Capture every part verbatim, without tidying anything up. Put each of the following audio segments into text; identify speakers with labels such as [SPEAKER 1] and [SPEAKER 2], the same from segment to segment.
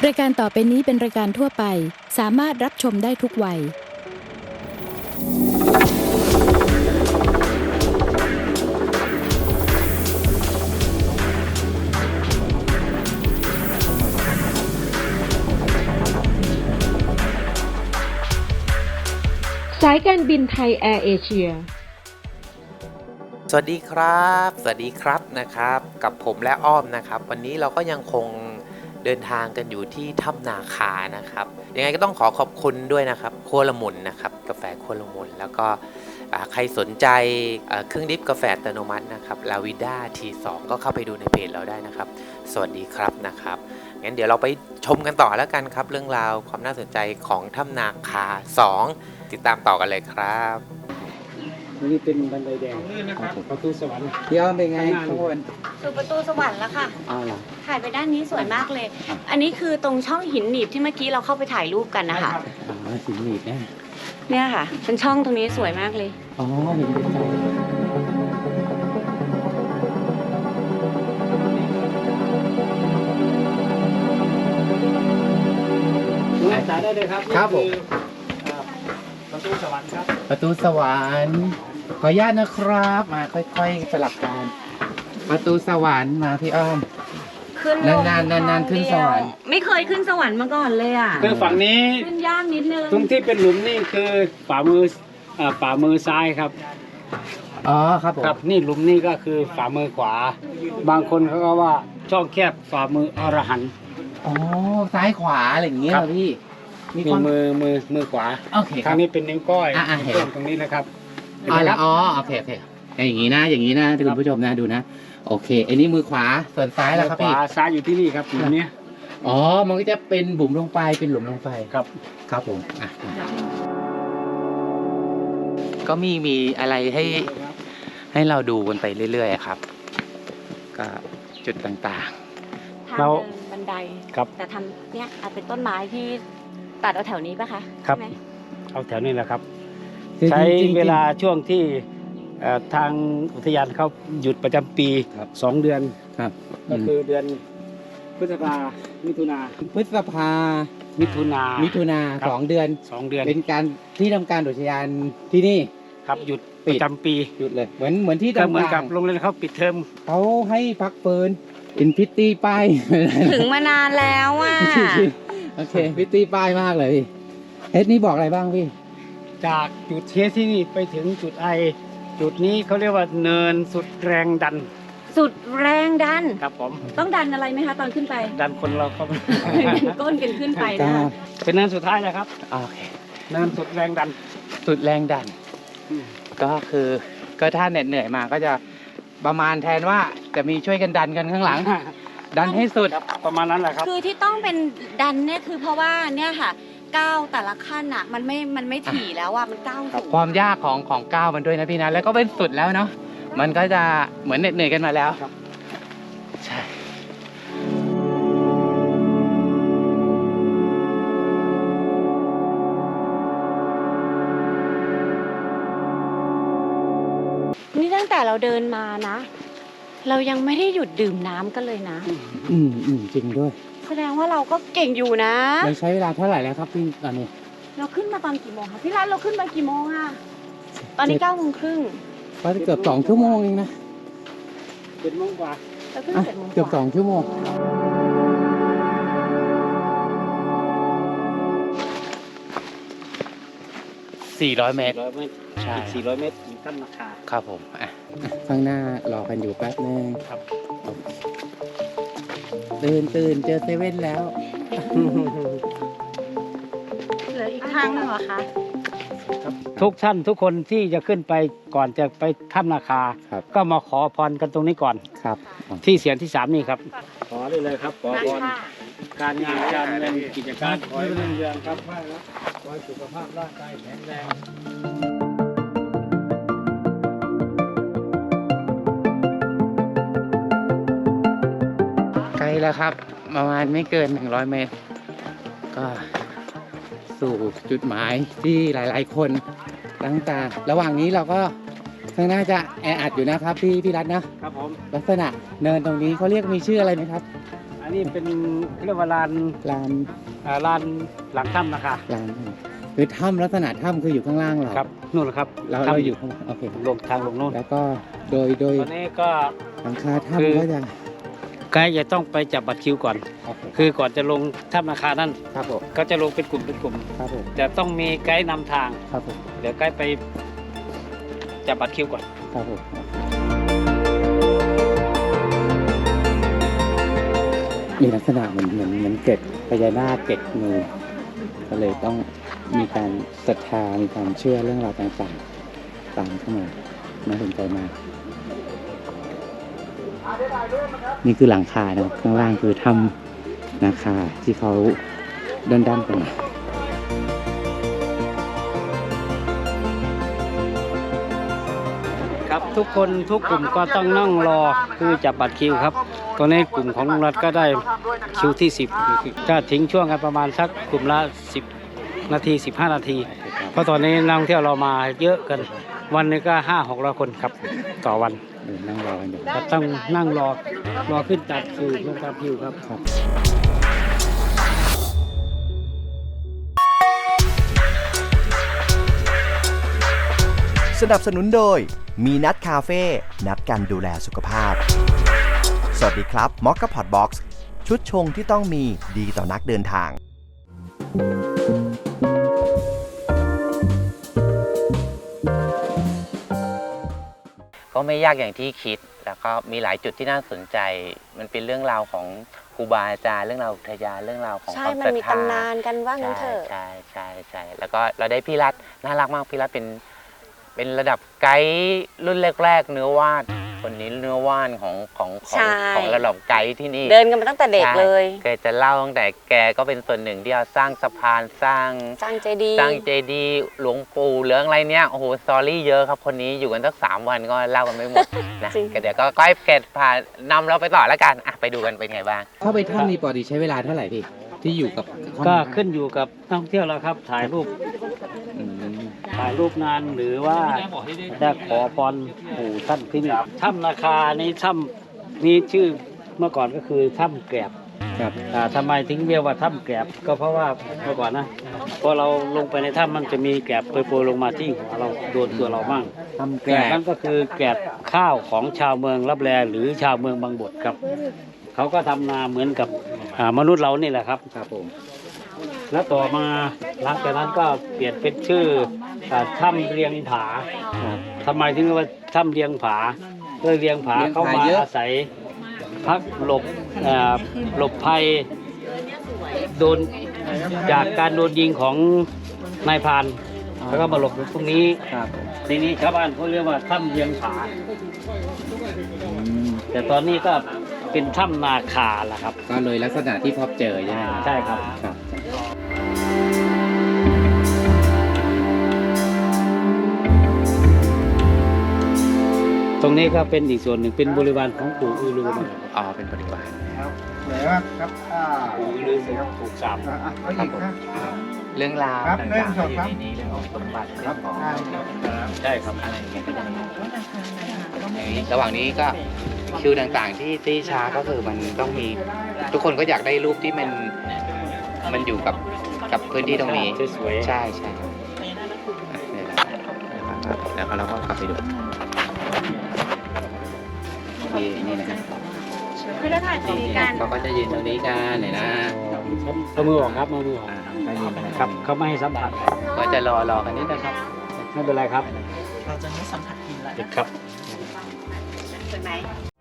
[SPEAKER 1] รายการต่อไปนี้เป็นรายการทั่วไปสามารถรับชมได้ทุกวัย
[SPEAKER 2] สายการบินไทยแอร์เอเชีย
[SPEAKER 3] สวัสดีครับสวัสดีครับนะครับกับผมและอ้อมนะครับวันนี้เราก็ยังคงเดินทางกันอยู่ที่ถ้ำนาคานะครับยังไงก็ต้องขอขอบคุณด้วยนะครับครัวละมุนนะครับกาแฟครัวละมุนแล้วก็ใครสนใจเครื่องดริปกาแฟอัตโนมัตินะครับลาวิด้า ที สอง ก็เข้าไปดูในเพจเราได้นะครับสวัสดีครับนะครับงั้นเดี๋ยวเราไปชมกันต่อแล้วกันครับเรื่องราวความน่าสนใจของถ้ำนาคาสองติดตามต่อกันเลยครับ
[SPEAKER 4] นี่เป็นบันไดแดงประตูสวรรค์พี่อ้อมเป็นไงข้างบน
[SPEAKER 5] สู่ประตูสวรรค์แล้วค่ะ
[SPEAKER 4] อ้าวเหรอ
[SPEAKER 5] ถ่ายไปด้านนี้สวยมากเลย อันนี้คือตรงช่องหินหนีบที่เมื่อกี้เราเข้าไปถ่ายรูปกันนะคะ
[SPEAKER 4] อ๋อหินหนีบเนี่ย
[SPEAKER 5] เนี่ยค่ะเป็นช่องตรงนี้สวยมากเลย
[SPEAKER 4] อ๋อเห็นเป็นใจจ่ายได้เลยครับครับผมประตูสวรรค์ครับประตูสวรรค์ขออนุญาตนะครับมาค่อยๆสลับกันประตูสวรรค์มาพี่อ้อม
[SPEAKER 5] ขึ้น
[SPEAKER 4] นานๆนานๆขึ้นสวรรค์
[SPEAKER 5] ไม่เคยขึ้นสวรรค์มาก่อนเลยอ่ะ
[SPEAKER 6] คือฝั่งนี้
[SPEAKER 5] ขึ้นยากนิดนึง
[SPEAKER 6] ตรงที่เป็นหลุมนี่คือฝ่ามืออ่าฝ่ามือซ้ายครับ
[SPEAKER 4] อ๋อครับผม
[SPEAKER 6] ครับนี่หลุมนี่ก็คือฝ่ามือขวาบางคนเขาก็ว่าช่องแคบฝ่ามืออรหันต์
[SPEAKER 4] อ๋อซ้ายขวาอะไรอย่างเงี้ยพี่
[SPEAKER 6] มีมือมือมือขวา
[SPEAKER 4] โอเค
[SPEAKER 6] ทางนี้เป็นนิ้วก้อย
[SPEAKER 4] อ่าเห็น
[SPEAKER 6] ตรงนี้นะครับ
[SPEAKER 4] อ๋อแล้วอ๋อโอเคโอเคอย่างงี้นะอย่างงี้นะคุณผู้ชมนะดูนะโอเคอันนี้มือขวาส่วนซ้ายแล้วครับพี่
[SPEAKER 6] ขวาซ้ายอยู่ที่นี่ครับหลุมนี้
[SPEAKER 4] อ๋อมันก็จะเป็นบุ๋มลงไปเป็นหลุมลงไป
[SPEAKER 6] ครับ
[SPEAKER 4] ครับผมอ่ะก็มีมีอะไรให้ให้เราดูกันไปเรื่อยๆครับก็จุดต่าง
[SPEAKER 5] ๆเราบันไดครับแต่ทำเนี่ยอาจเป็นต้นไม้ที่ตัดเอาแถวนี้ป่ะคะ
[SPEAKER 6] ครับเอาแถวนี้แหละครับใช้เวลาช่วงที่ทางอุทยานเขาหยุดประจำปีสองเดือน
[SPEAKER 4] ครับ
[SPEAKER 6] ก็คือเดือนพฤษภามิถุนา
[SPEAKER 4] พฤษภา
[SPEAKER 6] มิถุนา
[SPEAKER 4] มิถุนาสองเดือน
[SPEAKER 6] สองเดือน
[SPEAKER 4] เป็นการที่ทำการอุทยานที่นี่
[SPEAKER 6] ครับหยุดประจำปี
[SPEAKER 4] หยุดเลยเหมือนเหมือนที่
[SPEAKER 6] เหมือนกับโรงเรียนเขาปิดเทอม
[SPEAKER 4] เขาให้พักฟื้นเป็นพิตตี้ป้าย
[SPEAKER 5] ถึงมานานแล้วอ่ะ
[SPEAKER 4] โอเคพิตตี้ป้ายมากเลยเฮดนี่บอกอะไรบ้างพี่
[SPEAKER 6] จากจุดเทสที่นี่ไปถึงจุดไอจุดนี้เขาเรียกว่าเนินสุดแรงดัน
[SPEAKER 5] สุดแรงดัน
[SPEAKER 6] ครับผม
[SPEAKER 5] ต้องดันอะไรไหมคะตอนขึ้นไป
[SPEAKER 6] ดันคนเราเข้าไป
[SPEAKER 5] ก้นกันขึ้นไปนะ
[SPEAKER 6] เป็นเนินสุดท้ายนะครับ
[SPEAKER 4] โอเค
[SPEAKER 6] เนินสุดแรงดัน
[SPEAKER 4] สุดแรงดันก็คือก็ถ้าเหน็ดเหนื่อยมาก็จะประมาณแทนว่าจะมีช่วยกันดันกันข้างหลังดันให้สุด
[SPEAKER 6] ประมาณนั้นแหละครับ
[SPEAKER 5] คือที่ต้องเป็นดันเนี่ยคือเพราะว่าเนี่ยค่ะก้าวแต่ละขั้นอ่ะมันไม่มันไม่ถี่แล้วอ่ะมันก้าวสูง
[SPEAKER 4] ความยากของของก้าวมันด้วยนะพี่นะแล้วก็เป็นสุดแล้วเนาะมันก็จะเหมือนเหน็ดเหนื่อยกันมาแล้วใช่
[SPEAKER 5] นี่ตั้งแต่เราเดินมานะเรายังไม่ได้หยุดดื่มน้ำกันเลยนะ
[SPEAKER 4] อืมอืมจริงด้วย
[SPEAKER 5] แสดงว่าเราก็เก่งอยู่นะ
[SPEAKER 4] เราใช้เวลาเท่าไหร่แล้วครับพี่ตอนนี้
[SPEAKER 5] เราขึ้นมาตอนกี่โมงคะพี่รัตเราขึ้นมากี่โมงอะตอนนี้เก้าโมงครึ่ง
[SPEAKER 4] ก็เกือบสองชั่วโมงเองนะ
[SPEAKER 6] เจ็ดโมงกว่า
[SPEAKER 5] เราขึ้นเจ็ดโมง
[SPEAKER 4] เกือบสองชั่วโมงสี่ร้อยเมตร
[SPEAKER 6] ใช่สี่ร้อยเมตรถึงถ้ำนาคา
[SPEAKER 4] ครับผมอ่ะข้างหน้ารอกันอยู่แป๊บนึง
[SPEAKER 6] ครับ
[SPEAKER 4] ตื่นตื่นเจอเซเว่นแล้ว
[SPEAKER 5] เหลืออีกทางนึงเหรอคะ
[SPEAKER 6] ทุกท่านทุกคนที่จะขึ้นไปก่อนจะไปถ้ำนาคาก็มาขอพรกันตรงนี้ก่อน
[SPEAKER 4] ครับ
[SPEAKER 6] ที่เสียงที่สามนี่ครับขอได้เลยครับขอพรการงานการเงินกิจการขอให้รุ่งเรืองครับขอให้สุขภาพร่างกายแข็งแรง
[SPEAKER 4] ไกลแล้วครับประมาณไม่เกินหนึ่งร้อยเมตรก็สู่จุดหมายที่หลายๆคนตั้งตาระหว่างนี้เราก็ข้างหน้าจะแออัดอยู่นะครับพี่พี่รัตน์นะครับ
[SPEAKER 6] ผม
[SPEAKER 4] ลักษณะเนินตรงนี้เขาเรียกมีชื่ออะไรไหมครับ
[SPEAKER 6] อันนี้เป็นเรียกว่าลาน
[SPEAKER 4] ลาน
[SPEAKER 6] อ่าลานหลังถ้ำนะคะ
[SPEAKER 4] ลานคือถ้ำลักษณะถ้ำคืออยู่ข้างล่างเรา
[SPEAKER 6] ครับนู่นแหละครับ
[SPEAKER 4] เรา
[SPEAKER 6] ถ้ำ
[SPEAKER 4] เราอยู่ข้างโอเค
[SPEAKER 6] ลงทางลงนู่น
[SPEAKER 4] แล้วก็โดยโดย
[SPEAKER 6] ตอนนี้ก็
[SPEAKER 4] หลังคา
[SPEAKER 6] คือ
[SPEAKER 4] ถ้ำก็จะ
[SPEAKER 6] ไกด์จะต้องไปจับบัตรคิวก่อน
[SPEAKER 4] โอเค
[SPEAKER 6] คือก่อนจะลงถ้ำนาคานั่น
[SPEAKER 4] ครับผม
[SPEAKER 6] ก็จะลงเป็นกลุ่มเป็นกลุ่ม
[SPEAKER 4] ครับผม
[SPEAKER 6] จะต้องมีไกด์นำทาง
[SPEAKER 4] ครับผม
[SPEAKER 6] เดี๋ยวไกด์ไปจับบัตรคิวก่อน
[SPEAKER 4] ครับผมมีลักษณะเหมือนเหมือนเหมือนเกล็ดพญานาคเกล็ดงูก็เลยต้องมีการศรัทธามีความเชื่อเรื่องราวต่างๆตามเข้ามาน่าสนใจมาก นี่คือหลังคานะครับข้างล่างคือถ้ำนาคาที่เขาด้านๆกันมา
[SPEAKER 6] ครับทุกคนทุกกลุ่มก็ต้องนั่งรอคือจับบัตรคิวครับตอนนี้กลุ่มของลุงรัฐก็ได้คิวที่สิบก็ทิ้งช่วงกันประมาณสักกลุ่มละสิบนาทีสิบห้านาที เพราะตอนนี้นักท่องเที่ยวเรามาเยอะกันวันนึงก็ห้าหกร้อยคนครับต่อวัน
[SPEAKER 4] เดินนั่งรอกันอยู่
[SPEAKER 6] ก็ต้องนั่งรอรอขึ้นจัดคิวลงตามคิวครับ
[SPEAKER 4] ครับ
[SPEAKER 7] สนับสนุนโดยมีนัดคาเฟ่นัดกันดูแลสุขภาพ สวัสดีครับมอคค่าพอตบ็อกซ์ชุดชงที่ต้องมีดีต่อนักเดินทาง
[SPEAKER 3] ก็ไม่ยากอย่างที่คิดแล้วก็มีหลายจุดที่น่าสนใจ มันเป็นเรื่องราวของครูบาอาจารย์เรื่องราวอุทยานเรื่องราวของ
[SPEAKER 5] ใช่
[SPEAKER 3] ความ
[SPEAKER 5] มัน
[SPEAKER 3] ศรัท
[SPEAKER 5] มี
[SPEAKER 3] ธา
[SPEAKER 5] ตำนานกันว่างั้นเถอะ
[SPEAKER 3] ใช่ใช่ใช่แล้วก็เราได้พี่รัฐน่ารักมากพี่รัฐเป็นเป็นระดับไกด์รุ่นแรกๆเนื้อวาดคนนี้เนื้อว่านของของของ
[SPEAKER 5] ใช่
[SPEAKER 3] ของระดับไกด์ที่นี่
[SPEAKER 5] เดินกันมาตั้งแต่เด็กเลย
[SPEAKER 3] แกจะเล่าตั้งแต่แกก็เป็นส่วนหนึ่งที่เอาสร้างสะพานสร้าง
[SPEAKER 5] สร้างเจดีย์
[SPEAKER 3] สร้างเจดีย์หลวงปู่เหลืองอะไรเนี้ยโอ้โหสตอรี่เยอะครับคนนี้อยู่กันสักสามวันก็เล่ากันไม่หมดนะเดี๋ยวก็ก้อยแกพานำเราไปต่อแล้วกันอ่ะไปดูกันเป็นไงบ้าง
[SPEAKER 4] เข้าไปถ้ำนี้ปกติใช้เวลาเท่าไหร่พี่ที่อยู่กับ
[SPEAKER 6] ก็ขึ้นอยู่กับนักท่องเที่ยวแล้วครับถ่ายรูป
[SPEAKER 4] อืม
[SPEAKER 6] ถ่ายรูปนานหรือว่าจะขอพรปู่ท่านที่นี่ถ้ำนาคานี้ถ้ำนี้ชื่อเมื่อก่อนก็คือถ้ำแกลบ
[SPEAKER 4] ครับ
[SPEAKER 6] อ่าทำไมถึงเรียกว่าถ้ำแกลบก็เพราะว่าเมื่อก่อนนะพอเราลงไปในถ้ำมันจะมีแกลบโปรยๆลงมาที่หัวเราโดนตัวเราบ้าง
[SPEAKER 4] ทำ
[SPEAKER 6] แก
[SPEAKER 4] แก
[SPEAKER 6] ล
[SPEAKER 4] ล
[SPEAKER 6] บบ นั่นก็คือแกลบข้าวของชาวเมืองลับแลหรือชาวเมืองบางบทครับเขาก็ทำนาเหมือนกับอ่ามนุษย์เรานี่แหละครับ
[SPEAKER 4] ครับผม
[SPEAKER 6] แล้วต่อมาหลังจากนั้นก็เปลี่ยนเป็นชื่ออ่าถ้ำเรียงผา
[SPEAKER 4] ครับ
[SPEAKER 6] ทำไมถึงเรียกว่าถ้ำเรียงผาเพื่อเรียงผา
[SPEAKER 4] เรียงผา
[SPEAKER 6] เข้ามา
[SPEAKER 4] เยอะ
[SPEAKER 6] อาศัยพักหลบอ่าหลบภัยโดนจากการโดนยิงของนายพรานแล้วก็มาหลบอยู่ตรงนี้
[SPEAKER 4] ครับผม
[SPEAKER 6] ทีนี้ชาวบ้านเขาเรียกว่าถ้ำเรียงผา
[SPEAKER 4] อืม
[SPEAKER 6] แต่ตอนนี้ก็เป็นถ้ำนาคาละครับ
[SPEAKER 4] ก็เลยลักษณะที่พบเจอใช่ไหม
[SPEAKER 6] ใช่ครับ
[SPEAKER 4] ครับ
[SPEAKER 6] ตรงนี้ก็เป็นอีกส่วนหนึ่งเป็นบริวารของปู่อือลือนะครับ
[SPEAKER 3] อ๋อเป็นบริวาร
[SPEAKER 8] ไหนว่าครับอ่า
[SPEAKER 6] ปู่อือลือเป็นถูกสาบ
[SPEAKER 8] อ่ะเอาอีกนะ
[SPEAKER 3] เรื่องราว
[SPEAKER 8] ครับ
[SPEAKER 3] ต่าง
[SPEAKER 8] หนึ่ง
[SPEAKER 3] ๆ
[SPEAKER 8] สอง
[SPEAKER 3] ที่
[SPEAKER 8] สาม
[SPEAKER 3] ในนี้เรื่องของสมบัติเรื่องของ
[SPEAKER 8] อ่า
[SPEAKER 6] ใช่ครับ
[SPEAKER 3] อะไรอย่างเงี้ยก็จะมีอย่างนี้ระหว่างนี้ก็คิวต่างๆที่ที่ช้าก็คือมันต้องมีทุกคนก็อยากได้รูปที่มันมันอยู่กับกับพื้นที่ตรงนี้
[SPEAKER 6] สวยๆ
[SPEAKER 3] ใช่ใช่ครับอ่ะเนี่ยแหละนะครับแล้วก็เราก็กลับไปดูนี่นี่นะครับ
[SPEAKER 5] คือเราถ่ายตรงนี้กัน
[SPEAKER 3] เขาก็จะยืนตรงนี้กันเนี่ยนะ
[SPEAKER 6] เอามือออกครับเอามือออก
[SPEAKER 3] อ่าก็ยืนนะ
[SPEAKER 6] ครับเขาไม่ให้สัมผัส
[SPEAKER 3] ก็จะรอรอกันนิดนะครับ
[SPEAKER 6] ไม่เป็นไรครับ เราจะไม่สัมผัสกินแล้วครับ
[SPEAKER 5] สวยไหม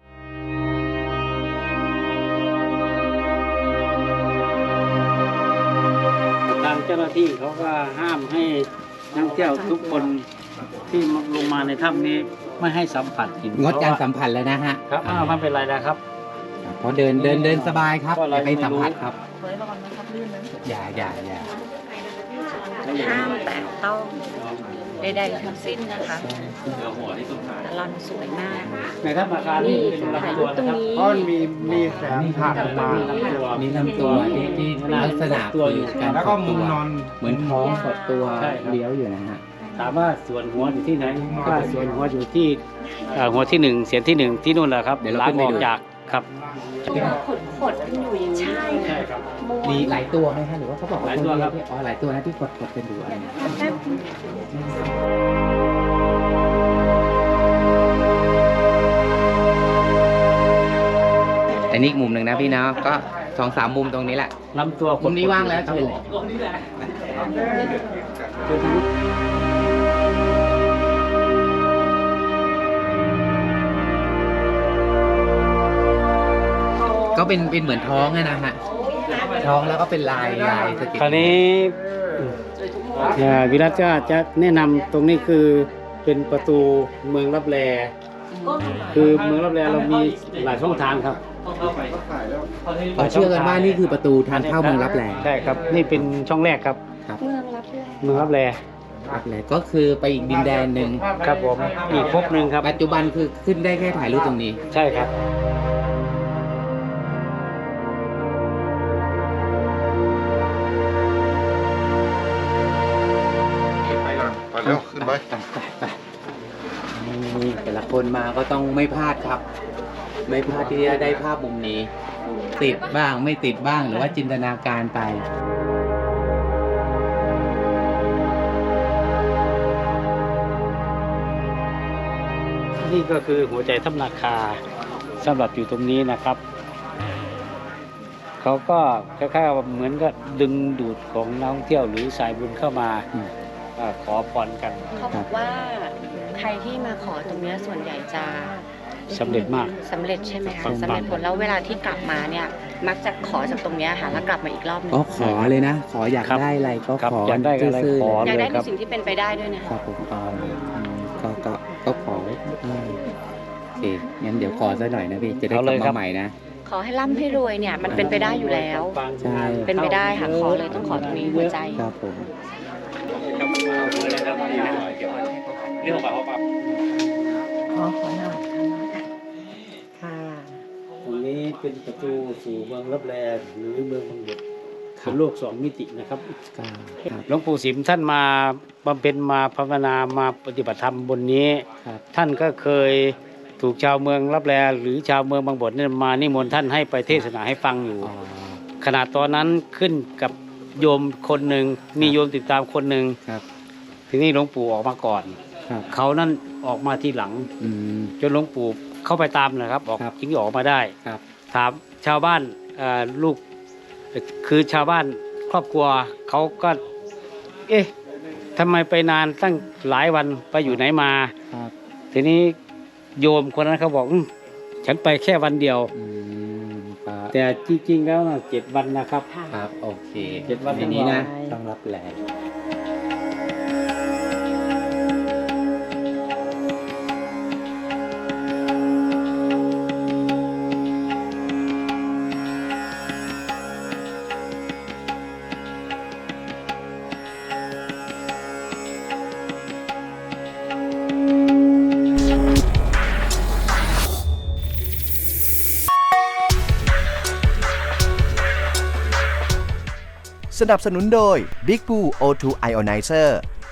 [SPEAKER 6] ทางเจ้าหน้าที่เขาก็ห้ามให้นักท่องเที่ยวทุกคนที่ลงมาในถ้ำนี้ไม่ให้สัมผัสหิน
[SPEAKER 4] งดการสัมผัสแล้วนะฮะ
[SPEAKER 6] ครับอ้าวไม่เป็นไรนะครับ
[SPEAKER 4] เพราะเดินเดินเดินสบายครับ
[SPEAKER 6] เพราะ
[SPEAKER 4] อ
[SPEAKER 6] เรา
[SPEAKER 4] ย่าไปสัมผัส
[SPEAKER 6] ไม่รู้
[SPEAKER 4] ครับอย่าอย่าอย่า
[SPEAKER 5] ห้ามแตะต้องใดๆทั้งสิ้นนะคะลอนสวยมาก
[SPEAKER 6] ในถ้ำนาคานี่เป็น
[SPEAKER 5] ถ่าย
[SPEAKER 6] ลำตั
[SPEAKER 5] รู
[SPEAKER 6] ว
[SPEAKER 5] ปตร
[SPEAKER 6] นะ
[SPEAKER 5] ง
[SPEAKER 6] ครับ
[SPEAKER 5] นี้
[SPEAKER 8] เพราะมันมีมีแสงผ่านออกมา
[SPEAKER 4] มีลำตัวที่ที่ลักษณะ
[SPEAKER 6] ตัวอยู่
[SPEAKER 4] การ
[SPEAKER 8] แล้วก็
[SPEAKER 4] ขด
[SPEAKER 8] มุ
[SPEAKER 4] ตั
[SPEAKER 8] ม
[SPEAKER 4] วน
[SPEAKER 8] อน
[SPEAKER 4] เหมือนท้องกดตัว
[SPEAKER 6] ใช่ครับ
[SPEAKER 4] เลี้ยวอยู่นะฮะ
[SPEAKER 6] ถามว่าส่วนหัวอยู่ที่ไหนก็ส่วนหัวอยู่ที่เอ่อหัวที่หนึ่งเสียนที่หนึ่งที่นู่นแหละครับ
[SPEAKER 4] เดี๋ยวเรา
[SPEAKER 6] ล้าง
[SPEAKER 4] ขึ้นไป
[SPEAKER 6] ออก
[SPEAKER 4] ดู
[SPEAKER 6] จากครับ
[SPEAKER 5] ขดขดกันอยู่อย่างนี้ใช่
[SPEAKER 6] ใช่ครับ
[SPEAKER 4] มีหลายตัวไหมฮะหรือว่าเขาบอกว่า
[SPEAKER 6] หลายตัวครับ
[SPEAKER 4] อ๋อหลายตัวนะที่กดกดกันอยู่อะไรเนี่ยแต่นี่อีกมุมหนึ่งนะพี่เนาะก็สองสามมุมตรงนี้แหละ
[SPEAKER 6] ลำตัว
[SPEAKER 4] มุมนี้ว่างแล้วเชิญเลย ก็เป็นเป็นเหมือนท้องอะนะฮะท้องแล้วก็เป็นลายลายสเก็ต
[SPEAKER 6] คราวนี้อ่าวิรัตก็จะแนะนำตรงนี้คือเป็นประตูเมืองรับแลคือเมืองรับแลเรามีหลายช่องทางครับ
[SPEAKER 4] เขาเชื่อกันว่านี่คือประตูทางเข้าเมืองรับแล
[SPEAKER 6] ใช่ครับ นี่เป็นช่องแรกครับ
[SPEAKER 4] ครับ
[SPEAKER 5] เมืองรับแล
[SPEAKER 6] เมืองรับแล
[SPEAKER 4] รับแลก็คือไปอีกดินแดนหนึ่ง
[SPEAKER 6] ครับผมอีกภพหนึ่งครับ
[SPEAKER 4] ปัจจุบันคือขึ้นได้แค่ถ่ายรูปตรงนี้
[SPEAKER 6] ใช่ครับ
[SPEAKER 8] ไปก่อนไปเร็วขึ้นไป
[SPEAKER 4] ไปไปนี่แต่ละคนมาก็ต้องไม่พลาดครับ ไม่พลาดที่จะได้ภาพมุมนี้ ติดบ้างไม่ติดบ้างหรือว่าจินตนาการไป
[SPEAKER 6] นี่ก็คือหัวใจถ้ำนาคาสำหรับอยู่ตรงนี้นะครับ เขาก็คล้ายๆว่าเหมือนก็ดึงดูดของนักท่องเที่ยวหรือสายบุญเข้ามา
[SPEAKER 4] อืม
[SPEAKER 6] อ่าขอพรกัน
[SPEAKER 5] เขาบอกว่าใครที่มาขอตรงเนี้ยส่วนใหญ่จะ
[SPEAKER 6] สำเร็จมาก
[SPEAKER 5] สำเร็จใช่ไหมคะ
[SPEAKER 6] ปังๆ
[SPEAKER 5] สำเร็จผลแล้วเวลาที่กลับมาเนี่ยมักจะขอจากตรงเนี้ยค่ะแล้วกลับมาอีกรอบหนึง
[SPEAKER 4] ก็ขอเลยนะ ขออยาก
[SPEAKER 6] ครับ
[SPEAKER 4] ได้อะไรก็
[SPEAKER 6] ครับ
[SPEAKER 4] ขอ
[SPEAKER 6] อยากได้อะไร
[SPEAKER 4] ซื่ๆ
[SPEAKER 6] ขอ
[SPEAKER 4] เลย
[SPEAKER 5] อยากได้
[SPEAKER 6] ค
[SPEAKER 5] ใน
[SPEAKER 6] รับ
[SPEAKER 5] สิ่งที่เป็นไปได้ด้วยนะครับ
[SPEAKER 4] ผมอ๋ออืมก็ก็ก็ขออืมโอเคงั้นเดี๋ยวขอซะหน่อยนะพี่จะได้ก
[SPEAKER 6] เอา
[SPEAKER 4] ลั
[SPEAKER 6] เล
[SPEAKER 4] บ
[SPEAKER 6] ยครั
[SPEAKER 4] มา
[SPEAKER 6] บ
[SPEAKER 4] ใหม่นะ
[SPEAKER 5] ขอให้ร่ำให้รวยเนี่ยมันเป็นไปได้อยู่แล้ว
[SPEAKER 4] ใช่
[SPEAKER 5] เป็นไปได้ค่ะขอเลยต้องขอตรงนี้หัวใจ
[SPEAKER 4] ครับผม
[SPEAKER 5] ขอขอหน่อยค่ะ
[SPEAKER 6] ตรงนี้เป็นประตูสู่เมืองรับแลหรือเมืองบังบดเป็นโลกสองมิตินะครับ
[SPEAKER 4] ครับครับ
[SPEAKER 6] หลวงปู่สิมท่านมาบำเพ็ญมาภาวนามาปฏิบัติธรรมบนนี้
[SPEAKER 4] ครับ
[SPEAKER 6] ท่านก็เคยถูกชาวเมืองรับแลหรือชาวเมืองบางบดเนี่ยมานิมนต์ท่านให้ไปเทศนาให้ฟังอยู่
[SPEAKER 4] อ๋อ
[SPEAKER 6] ขณะตอนนั้นขึ้นกับโยมคนหนึ่งมีโยมติดตามคนหนึ่ง
[SPEAKER 4] ครับ
[SPEAKER 6] ทีนี้หลวงปู่ออกมาก่อน
[SPEAKER 4] ครับ
[SPEAKER 6] เขานั่นออกมาทีหลัง
[SPEAKER 4] อืม
[SPEAKER 6] จนหลวงปู่เข้าไปตามนะครับ ออก
[SPEAKER 4] ครับ
[SPEAKER 6] จึงออกมาได้
[SPEAKER 4] ครับ
[SPEAKER 6] ถามชาวบ้านเอ่อลูกคือชาวบ้านครอบครัวเขาก็ เอ๊ะทำไมไปนานตั้งหลายวันไปอยู่ไหนมา
[SPEAKER 4] ครับ
[SPEAKER 6] ทีนี้โยมคนนั้นเขาบอกอืมฉันไปแค่วันเดียว
[SPEAKER 4] อืมครับ
[SPEAKER 6] แต่จริงๆแล้วนะเจ็ดวันนะครับ
[SPEAKER 4] ครับโอเค
[SPEAKER 6] เจ็ดวัน
[SPEAKER 4] ทีนี้นะ
[SPEAKER 6] ต้องรอ
[SPEAKER 4] ต้องรับแล
[SPEAKER 7] สนับสนุนโดย Big Blue โอ ทู Ionizer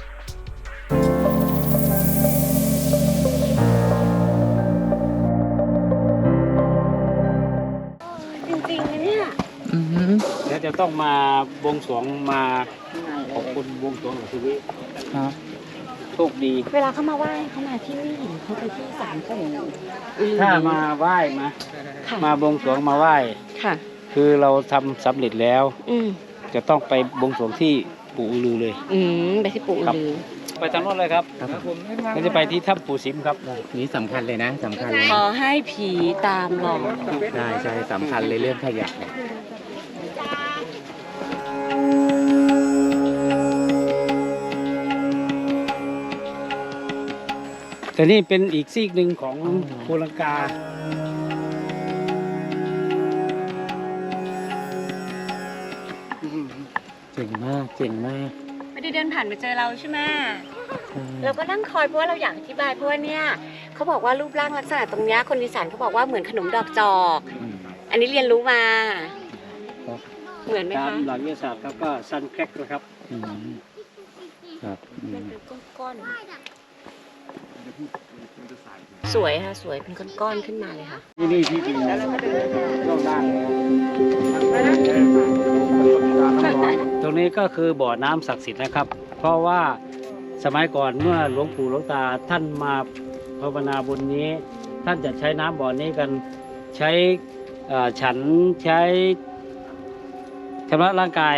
[SPEAKER 5] จริงๆนะเนี่ย
[SPEAKER 4] อือหือ
[SPEAKER 6] แล้วจะต้องมาบวงสรวงมาขอบคุณบวงสรวงของชีวิต
[SPEAKER 4] ครับ
[SPEAKER 6] โชคดี
[SPEAKER 5] เวลาเขามาไหว้เขามาที่นี่เขาไปที่ศาลปู่อือ
[SPEAKER 6] ถ้ามาไหว้มา
[SPEAKER 5] ค่ะ
[SPEAKER 6] มาบวงสรวงมาไหว้
[SPEAKER 5] ค่ะ
[SPEAKER 6] คือเราทำสำเร็จแล้ว
[SPEAKER 5] อืม
[SPEAKER 6] จะต้องไปบวงสรวงที่ปู่อือลือเลย
[SPEAKER 5] อืมไปที่ปู่อือลือ
[SPEAKER 6] ไปทางโน้นเลยครับ
[SPEAKER 4] ครับผม
[SPEAKER 6] เราจะไปที่ถ้ำปู่สิมครับ
[SPEAKER 4] นี่สำคัญเลยนะสำคัญเลย
[SPEAKER 5] ขอให้ผีตามหลอก
[SPEAKER 4] ใช่ใช่สำคัญเลยเรื่องขยะเนี่ย
[SPEAKER 6] แต่นี่เป็นอีกซีกหนึ่งของโคลังกา
[SPEAKER 4] เจ๋งมากเจ๋งมาก
[SPEAKER 5] ไม่ได้เดินผ่านมาเจอเราใช่ไหม
[SPEAKER 4] ใช่
[SPEAKER 5] เราก็นั่งคอยเพราะว่าเราอยากอธิบายเพราะว่าเนี่ยเขาบอกว่ารูปร่างลักษณะตรงเนี้ยคนอีสานเขาบอกว่าเหมือนขนมดอกจอก
[SPEAKER 4] อืม
[SPEAKER 5] อันนี้เรียนรู้มา
[SPEAKER 4] ครับ
[SPEAKER 5] เหมือนไหม
[SPEAKER 6] ตาม
[SPEAKER 5] คะ
[SPEAKER 6] หลักวิทยาศาสตร์ครับก็ซันแครกนะครับ
[SPEAKER 4] อืมครับอื
[SPEAKER 5] มัน
[SPEAKER 4] ม
[SPEAKER 5] เป็นก้อนสวยค่ะสวยเป็นก้อนๆขึ้นมาเลยค่ะ
[SPEAKER 6] ที่นี่ที่จริงแล้วก็เดินช่องด้านเลยตรงนี้ก็คือบ่อน้ำศักดิ์สิทธิ์นะครับ เพราะว่าสมัยก่อนเมื่อหลวงปู่หลวงตาท่านมาภาวนาบนนี้ ท่านจะใช้น้ำบ่อนี้กันใช้เอ่อฉันใช้ชำระร่างกาย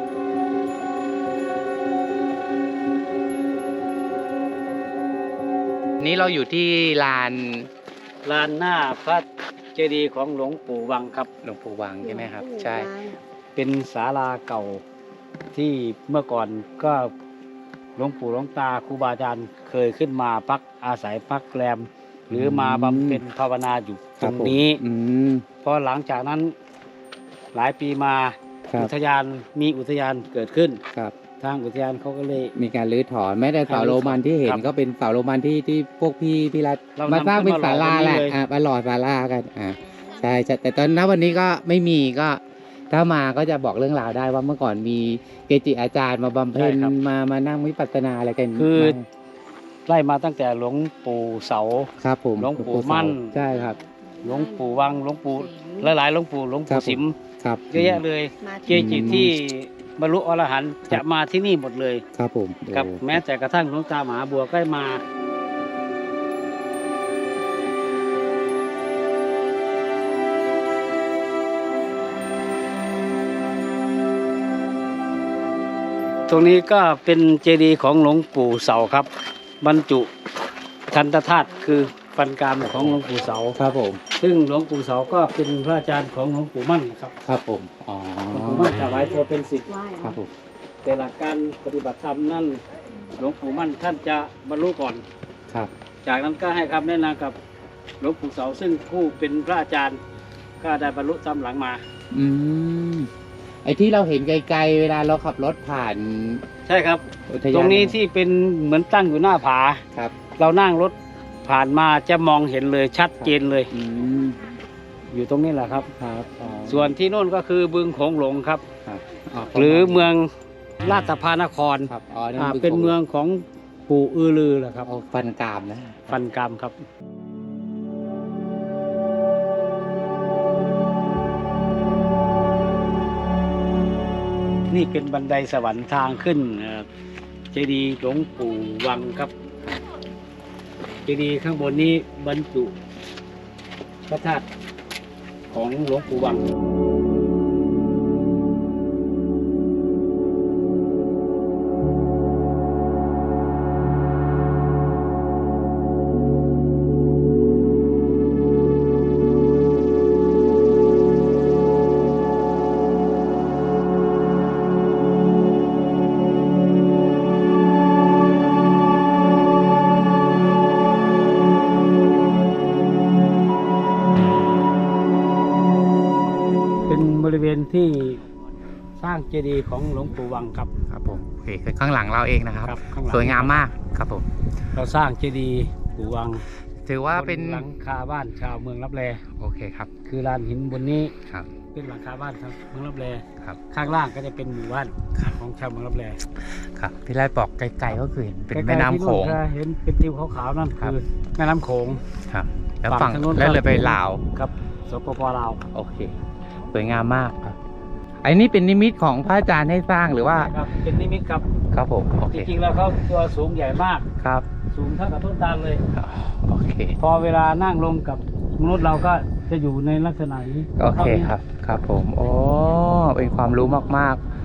[SPEAKER 4] นี้เราอยู่ที่ลาน
[SPEAKER 6] ลานหน้าพระเจดีย์ของหลวงปู่วังครับ
[SPEAKER 4] หลวงปู่วังใช่ไหมครับ ใช่
[SPEAKER 6] เป็นศาลาเก่าที่เมื่อก่อนก็หลวงปู่หลวงตาครูบาอาจารย์เคยขึ้นมาพักอาศัยพักแรมหรือมาบำเพ็ญภาวนาอยู่ตรงนี้
[SPEAKER 4] อืม
[SPEAKER 6] พอหลังจากนั้นหลายปีมา
[SPEAKER 4] ครับ
[SPEAKER 6] อุทยานมีอุทยานเกิดขึ้น
[SPEAKER 4] ครับ
[SPEAKER 6] ทางอุทยานเขาก็เลย
[SPEAKER 4] มีการรื้อถอนแม้แต่เสาโรมันที่เห็น
[SPEAKER 6] ครับ
[SPEAKER 4] ก็เป็นเสาโรมันที่ที่พวกพี่พี่รัฐ
[SPEAKER 6] เรา
[SPEAKER 4] มาสร้างเป็น
[SPEAKER 6] นำขึ้น
[SPEAKER 4] ศา
[SPEAKER 6] มา
[SPEAKER 4] ลา
[SPEAKER 6] หล่อ
[SPEAKER 4] แหละ
[SPEAKER 6] ตรงนี้เลย
[SPEAKER 4] อ่ามาหล่อศาลากันอ่าใช่ใช่แต่ตอนนั้นวันนี้ก็ไม่มีก็ถ้ามาก็จะบอกเรื่องราวได้ว่าเมื่อก่อนมีเกจิอาจารย์มาบำเพ็ญ
[SPEAKER 6] ใช่ครับ
[SPEAKER 4] มามานั่งวิปัสสนาอะไรกัน
[SPEAKER 6] คือ
[SPEAKER 4] มา
[SPEAKER 6] ไล่มาตั้งแต่หลวงปู่เสา
[SPEAKER 4] ครับผม
[SPEAKER 6] หลวงปู่มั่น
[SPEAKER 4] ใช่ครับ
[SPEAKER 6] หลวงปู่วังหลวงปู่หลายๆหลวงปู่หลวง
[SPEAKER 4] ครั
[SPEAKER 6] ปู่
[SPEAKER 4] บผม
[SPEAKER 6] สิม
[SPEAKER 4] ครับ
[SPEAKER 6] เยอะแยะเลย
[SPEAKER 5] มา
[SPEAKER 6] เกจิที่บรรลุอรหันต์จะมาที่นี่หมดเลย
[SPEAKER 4] ครับผม
[SPEAKER 6] ครับ
[SPEAKER 4] โอ้
[SPEAKER 6] แม้แต่กระทั่งหลวงตามหาบัวก็มา ตรงนี้ก็เป็นเจดีย์ของหลวงปู่เสาครับ บรรจุทันตธาตุคือฟันกรามของหลวงปู่เสา
[SPEAKER 4] ครับผม
[SPEAKER 6] ซึ่งหลวงปู่เสาก็เป็นพระอาจารย์ของหลวงปู่มั่นครับ
[SPEAKER 4] ครับผมอ๋อ
[SPEAKER 6] หลวงปู่มั่นถวายตัวเป็นศิษย์
[SPEAKER 4] ครับผม
[SPEAKER 6] แต่หลักการปฏิบัติธรรมนั่นหลวงปู่มั่นท่านจะบรรลุก่อน
[SPEAKER 4] ครับ
[SPEAKER 6] จากนั้นก็ให้คำแนะนำกับหลวงปู่เสาซึ่งผู้เป็นพระอาจารย์ก็ได้บรรลุตามหลังมา
[SPEAKER 4] อืมไอ้ที่เราเห็นไกลๆเวลาเราขับรถผ่าน
[SPEAKER 6] ใช่ครับ
[SPEAKER 4] อุทยาน
[SPEAKER 6] ตรงนี้ที่เป็นเหมือนตั้งอยู่หน้าผา
[SPEAKER 4] ครับ
[SPEAKER 6] เรานั่งรถผ่านมาจะมองเห็นเลยชัดเจนเลย
[SPEAKER 4] อืม
[SPEAKER 6] อยู่ตรงนี้แหละครับ
[SPEAKER 4] ครับอ๋อ
[SPEAKER 6] ส่วนที่โน่นก็คือบึงโขงหลงครับ
[SPEAKER 4] ครับ
[SPEAKER 6] หรือเมืองราชพานคร
[SPEAKER 4] ครับอ๋อนั่น
[SPEAKER 6] อ่า
[SPEAKER 4] บึ
[SPEAKER 6] เป็นเมืองของปู่อือลือแหละครับ
[SPEAKER 4] เอาฟันกรามนะ
[SPEAKER 6] ฟันกรามครับ นี่เป็นบันไดสวรรค์ทางขึ้นเอ่อเจดีย์หลวงปู่วังครับ เจดีย์ข้างบนนี้บรรจุพระธาตุของหลวงปู่วัง เป็นบริเวณที่สร้างเจดีย์ของหลวงปู่วังครับ
[SPEAKER 4] ครับผมโอเคคือข้างหลังเราเองนะครับ
[SPEAKER 6] ครับข้างหลัง
[SPEAKER 4] สวยงามมากครับผม
[SPEAKER 6] เราสร้างเจดีย์ปู่วัง
[SPEAKER 4] ถือว่าเป็น
[SPEAKER 6] บหลังคาบ้านชาวเมืองลับแล
[SPEAKER 4] โอเคครับ
[SPEAKER 6] คือลานหินบนนี้
[SPEAKER 4] ครับ
[SPEAKER 6] เป็นหลังคาบ้านครับเมืองลับแล
[SPEAKER 4] ครับ
[SPEAKER 6] ข้างล่างก็จะเป็นหมู่บ้านของชาวเมืองลับแล
[SPEAKER 4] ครับที่แรกบอกไกลๆก็คือเห็นเป็น
[SPEAKER 6] ใกล้ๆ
[SPEAKER 4] แม่น้ำโขง
[SPEAKER 6] ที่นู่นเห็นเป็นติวขาวๆนั่น
[SPEAKER 4] ครับ
[SPEAKER 6] คือแม่น้ำโขง
[SPEAKER 4] ครับแล้ว
[SPEAKER 6] ฝั่
[SPEAKER 4] ฝั่ง
[SPEAKER 6] งทางนู้น
[SPEAKER 4] แล้วเลยไปลาว
[SPEAKER 6] ครับสปปลาว
[SPEAKER 4] โอเคสวยงามมากครับไอ้นี่เป็นนิมิตของพระอาจารย์ให้สร้างหรือว่า
[SPEAKER 6] ครับเป็นนิมิตครับ
[SPEAKER 4] ครับผมโอ
[SPEAKER 6] จ
[SPEAKER 4] เค
[SPEAKER 6] ริงๆแล้วเขาตัวสูงใหญ่มาก
[SPEAKER 4] ครับ
[SPEAKER 6] สูงเท่ากับต้นตาลเลย
[SPEAKER 4] โอเค
[SPEAKER 6] พอเวลานั่งลงกับมนุษย์เราก็จะอยู่ในลักษณะนี้
[SPEAKER 4] โอเคครับครับผมโอ้เป็นความรู้มากๆ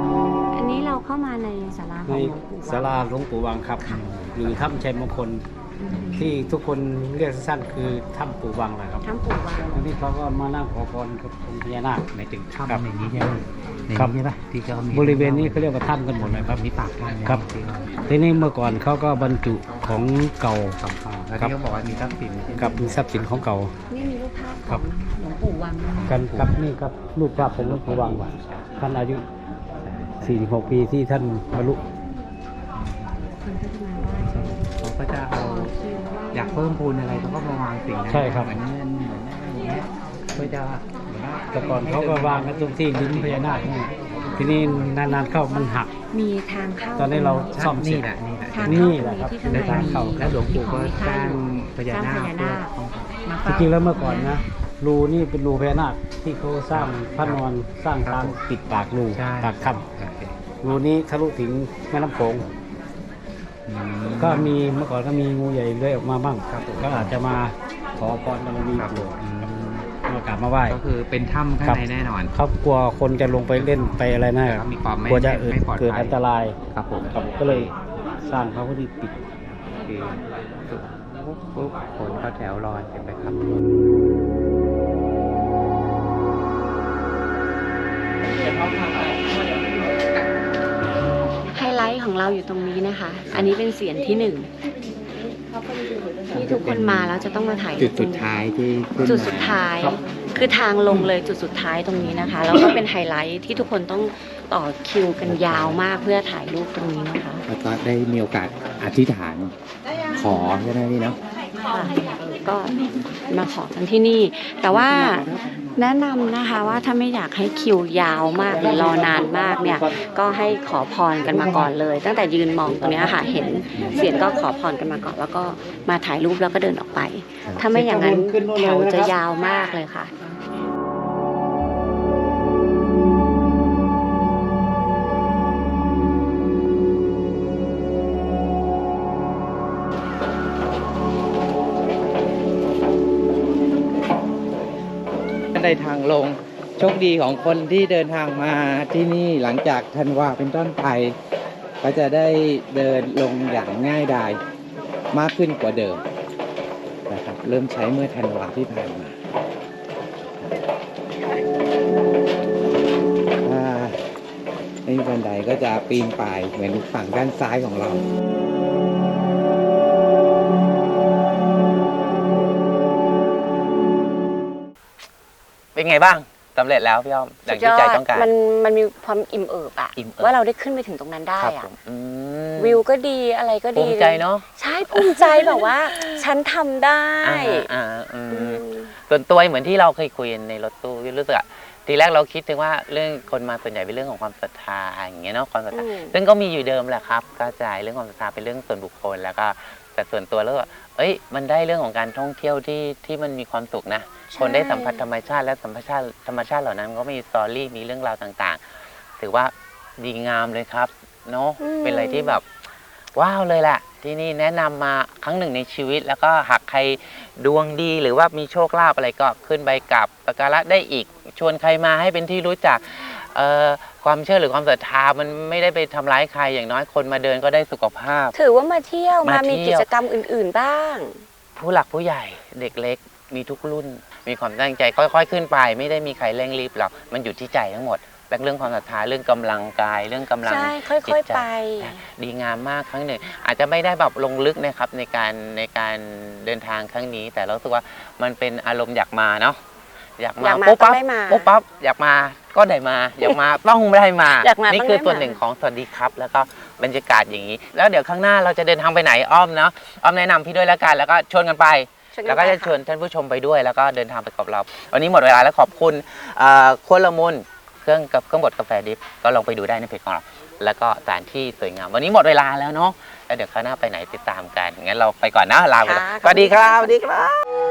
[SPEAKER 5] อันนี้เราเข้ามาในศาลาข
[SPEAKER 6] ใน
[SPEAKER 5] องหลวงปู่
[SPEAKER 6] ศาลาหลวงปู่วังครับ หรือถ้ำชัยมงคลที่ทุกคนเรียกสั้นๆคือถ้ำปู่วังแหละครับ
[SPEAKER 5] ถ้ำปู่วัง
[SPEAKER 6] อันนี้เขาก็มานั่งขอพรกับองค์พญานาค
[SPEAKER 4] หมายถึง
[SPEAKER 6] ครับ
[SPEAKER 4] ถ้ำอย่างนี้ใช่ไหมใน
[SPEAKER 6] ครับ
[SPEAKER 4] นี้ใช่ปะที่เขามี
[SPEAKER 6] บริเวณนี้เขาเรียกว่าถ้ำกันหมดเลยครับ
[SPEAKER 4] มีปากถ้ำ
[SPEAKER 6] ครับ
[SPEAKER 4] ที่เขา
[SPEAKER 6] ทีนี้เมื่อก่อนเขาก็บรรจุของเก่า
[SPEAKER 4] สำคัญแล้วที่เขาบอกว่ามีทรัพย์สินใช่ไหม
[SPEAKER 6] กับมีทรัพย์สินของเก่า
[SPEAKER 5] นี่มีรูปภาพข
[SPEAKER 6] ครั
[SPEAKER 5] อบ งหลวงปู่วังนะคะ
[SPEAKER 6] กันครับนี่ครับรูปภาพของหลวงปู่วังท่านอายุสี่สิบหกปีที่ท่านบรรลุ
[SPEAKER 5] คนก็จะมาไหว้กัน
[SPEAKER 4] เขาก็จะเอาอยากเพิ่มพูนอะไรเขาก็มาวางสิ่งนั้น
[SPEAKER 6] ใช่ครับ
[SPEAKER 4] เหมือนเงินเหมือนอะไรอย่างเงี้ยเพื่อจะเหมือนว่า
[SPEAKER 6] แต่ก่อนเขาก็วางกันตรงที่ลิ้นพญานาคนี่ทีนี้นานๆเข้ามันหัก
[SPEAKER 5] มีทางเข้า
[SPEAKER 6] ตอนนี้เราซ่อมเสร็
[SPEAKER 4] นี่
[SPEAKER 6] จ
[SPEAKER 4] แหละนี่แหละ
[SPEAKER 5] ทาง
[SPEAKER 6] นี่
[SPEAKER 5] เข้า
[SPEAKER 6] แหละครับ
[SPEAKER 5] ที่ข้างใน
[SPEAKER 6] ในทางเข้า
[SPEAKER 4] แล้วหลวงปู่ก็สร้างพญานาค
[SPEAKER 5] สร้างพญานาคมา
[SPEAKER 6] จ
[SPEAKER 5] เฝ้า
[SPEAKER 6] ริงๆแล้วเมื่อก่อนนะรูนี่เป็นรูพญานาคที่เขาสร้างพระนอนสร้างทางปิดปากรู
[SPEAKER 4] ใช่
[SPEAKER 6] ปากถ้
[SPEAKER 4] โอเค
[SPEAKER 6] ำรูนี้ทะลุถึงแม่น้ำโขง
[SPEAKER 4] อืม
[SPEAKER 6] ก็มีเมื่อก่อนก็มีงูใหญ่เลื้อยออกมาบ้าง
[SPEAKER 4] ครับผม
[SPEAKER 6] ก็อาจจะมาขอพรบารมี
[SPEAKER 4] ครับ
[SPEAKER 6] ปู่
[SPEAKER 4] อืม
[SPEAKER 6] มากราบมาไหว้
[SPEAKER 4] ก็คือเป็นถ้ำข้าง
[SPEAKER 6] ครับ
[SPEAKER 4] ในแน่นอน
[SPEAKER 6] เขากลัวคนจะลงไปเล่นไปอะไรนะ
[SPEAKER 4] แล้วก็มีความไม่
[SPEAKER 6] กลัวจะเกิด
[SPEAKER 4] ไม่ปลอดภัย
[SPEAKER 6] เกิดอันตราย
[SPEAKER 4] ครับผม
[SPEAKER 6] ครับก็เลยสร้างพระพุทธปิด
[SPEAKER 4] คือปุ๊บปุ๊บคนเข้าแถวรอเห็นไหมครับ
[SPEAKER 5] ไฮไลท์ของเราอยู่ตรงนี้นะคะ อันนี้เป็นเสียงที่หนึ่งที่ทุกคนมาแล้วจะต้องมาถ่าย
[SPEAKER 4] จุดสุดท้ายที่ขึ้น
[SPEAKER 5] จุดสุด
[SPEAKER 4] มา
[SPEAKER 5] ท้าย คือทางลงเลยจุดสุดท้ายตรงนี้นะคะแล้วก็เป็นไฮไลท์ที่ทุกคนต้องต่อคิวกันยาวมากเพื่อถ่ายรูปตรงนี้นะคะ
[SPEAKER 4] แล้วก็ได้มีโอกาสอธิษฐานขอใช่ไหมพี่เนาะ
[SPEAKER 5] ค่ะก็มาขอกันที่นี่ แต่ว่าแนะนำนะคะว่าถ้าไม่อยากให้คิวยาวมากหรือรอนานมากเนี่ยก็ให้ขอพรกันมาก่อนเลย ตั้งแต่ยืนมองตรงเนี้ยค่ะเห็นเสียงก็ขอพรกันมาก่อน แล้วก็มาถ่ายรูปแล้วก็เดินออกไป ถ้าไม่อย่างนั้นแถวจะยาวมากเลยค่ะ
[SPEAKER 4] ในทางลงโชคดีของคนที่เดินทางมาที่นี่หลังจากธันวาเป็นต้นไปก็จะได้เดินลงอย่างง่ายดายมากขึ้นกว่าเดิมนะครับเริ่มใช้เมื่อธันวาที่ผ่านมาถ้าไม่มีบันไดก็จะปีนป่ายเหมือนฝั่งด้านซ้ายของเรา
[SPEAKER 3] เป็นไงบ้างสำเร็จแล้วพี่อ้อมอย่างที่ใจต้องการ
[SPEAKER 5] มันมันมีความอิ่มเอิบอะ
[SPEAKER 3] อิ่มเอิบ
[SPEAKER 5] ว่าเราได้ขึ้นไปถึงตรงนั้นได้
[SPEAKER 3] ครับ
[SPEAKER 5] อะ
[SPEAKER 3] ผมอืม
[SPEAKER 5] วิวก็ดีอะไรก็
[SPEAKER 3] ภู
[SPEAKER 5] ดี
[SPEAKER 3] มิใจเนาะ
[SPEAKER 5] ใช่ภูมิใจแบบว่า ฉันทำได้
[SPEAKER 3] อ่าอ่าอืม
[SPEAKER 5] อืม
[SPEAKER 3] ส่วนตัวเหมือนที่เราเคยคุยกันในรถตู้รู้สึกอะทีแรกเราคิดถึงว่าเรื่องคนมาส่วนใหญ่เป็นเรื่องของความศรัทธาอย่างเงี้ยเนาะความศรัทธา
[SPEAKER 5] อืม
[SPEAKER 3] ซึ่งก็มีอยู่เดิมแหละครับกระจายเรื่องความศรัทธาเป็นเรื่องส่วนบุคคลแล้วก็แต่ส่วนตัวแล้วก็เอ้ยมันได้เรื่องของการท่องเที่ยวที่ที่มันมีความสุขนะคนได้สัมผัสธรรมชาติและสัมผัสธรรมชาติเหล่านั้นก็มีสตอรี่มีเรื่องราวต่างๆ ถือว่าดีงามเลยครับเนาะ
[SPEAKER 5] อืม
[SPEAKER 3] เป็นอะไรที่แบบว้าวเลยแหละที่นี่แนะนำมาครั้งหนึ่งในชีวิต แล้วก็หากใครดวงดีหรือว่ามีโชคลาภอะไรก็ขึ้นไปกราบสักการะได้อีก ชวนใครมาให้เป็นที่รู้จักเอ่อความเชื่อหรือความศรัทธามันไม่ได้ไปทำร้ายใครอย่างน้อยคนมาเดินก็ได้สุขภาพ
[SPEAKER 5] ถือว่ามาเที่ยวมา
[SPEAKER 3] มาเที่
[SPEAKER 5] มี
[SPEAKER 3] ยว
[SPEAKER 5] กิจกรรมอื่น ๆบ้าง
[SPEAKER 3] ผู้หลักผู้ใหญ่เด็กเล็กมีทุกรุ่น มีความตั้งใจค่อยๆขึ้นไป ไม่ได้มีใครเร่งรีบหรอกมันอยู่ที่ใจทั้งหมดและเรื่องความศรัทธาเรื่องกำลังกายเรื่องกำลัง
[SPEAKER 5] ใช่ค่
[SPEAKER 3] จิ
[SPEAKER 5] อย
[SPEAKER 3] ตใจ
[SPEAKER 5] ๆไป
[SPEAKER 3] ดีงามมากครั้งหนึ่งอาจจะไม่ได้แบบลงลึกนะครับในการในการเดินทางครั้งนี้ แต่เรารู้สึกว่ามันเป็นอารมณ์อยากมาเนาะอยากมา
[SPEAKER 5] อยากมา
[SPEAKER 3] ปุ๊บปั๊บ
[SPEAKER 5] ต้องได้มา
[SPEAKER 3] ปุ๊บปั๊บอยากมาก็ได้มา อยากมาต้องได้มา
[SPEAKER 5] อยากมา
[SPEAKER 3] นี่
[SPEAKER 5] ต้อง
[SPEAKER 3] คือ
[SPEAKER 5] ได้
[SPEAKER 3] ส่วน
[SPEAKER 5] มา
[SPEAKER 3] หนึ่งของสวัสดีครับ แล้วก็บรรยากาศอย่างนี้ แล้วเดี๋ยวข้างหน้าเราจะเดินทางไปไหนอ้อมเนาะอ้อมแนะนำพี่ด้วยแล้วกันแล้วก็ชวนกันไป
[SPEAKER 5] ชวนกัน
[SPEAKER 3] แล้วก็จะ
[SPEAKER 5] ไปค่ะ
[SPEAKER 3] ชวนท่านผู้ชมไปด้วยแล้วก็เดินทางไปกับเรา วันนี้หมดเวลาแล้วขอบคุณเอ่อครัวละมุนเครื่องกับเครื่องบดกาแฟดิฟก็ลองไปดูได้ในเพจของเรา แล้วก็สถานที่สวยงาม วันนี้หมดเวลาแล้วเนาะแล้วเดี๋ยวข้างหน้าไปไหนติดตามกันงั้นเราไปก่อนนะลาไปก่อน
[SPEAKER 5] ค่ะ
[SPEAKER 3] สวัสดีครับ
[SPEAKER 5] ขอบคุณค่ะ
[SPEAKER 3] สวัสดีครับ